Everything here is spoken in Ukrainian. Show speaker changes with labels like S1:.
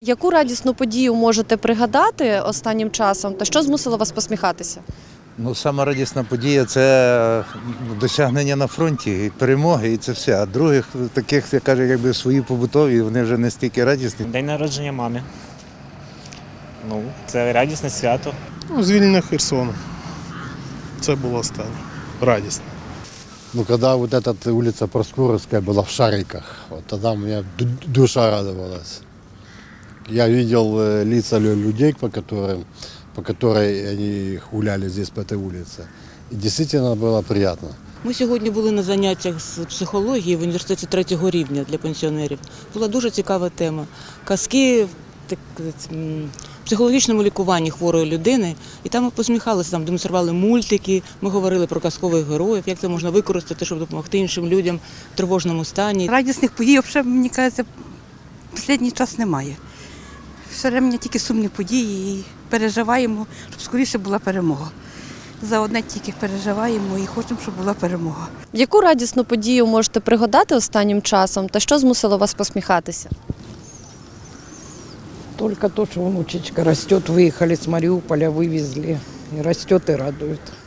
S1: Яку радісну подію можете пригадати останнім часом та що змусило вас посміхатися?
S2: Сама радісна подія – це досягнення на фронті, і перемоги, і це все. А других таких, я кажу, якби свої побутові, вони вже не стільки радісні.
S3: День народження мами. Це радісне свято.
S4: Звільнення Херсону. Це було останнє. Радісно.
S5: Когда вот эта улица Проскуровская была в Шариках, вот тогда у меня душа радовалась. Я видел лица людей, по которой они гуляли здесь по этой улице. И действительно было приятно.
S6: Ми сьогодні були на заняттях з психології в університеті 3-го рівня для пенсіонерів. Була дуже цікава тема. Казки в психологічному лікуванні хворої людини. І там ми посміхалися, там демонстрували мультики, ми говорили про казкових героїв, як це можна використати, щоб допомогти іншим людям в тривожному стані.
S7: Радісних подій, взагалі, мені кажеться, в останній час немає. Все время тільки сумні події і переживаємо, щоб скоріше була перемога. За одне тільки переживаємо і хочемо, щоб була перемога.
S1: Яку радісну подію можете пригадати останнім часом та що змусило вас посміхатися?
S8: Только то, что внучечка растет, выехали с Мариуполя, вывезли. И растет, и радует.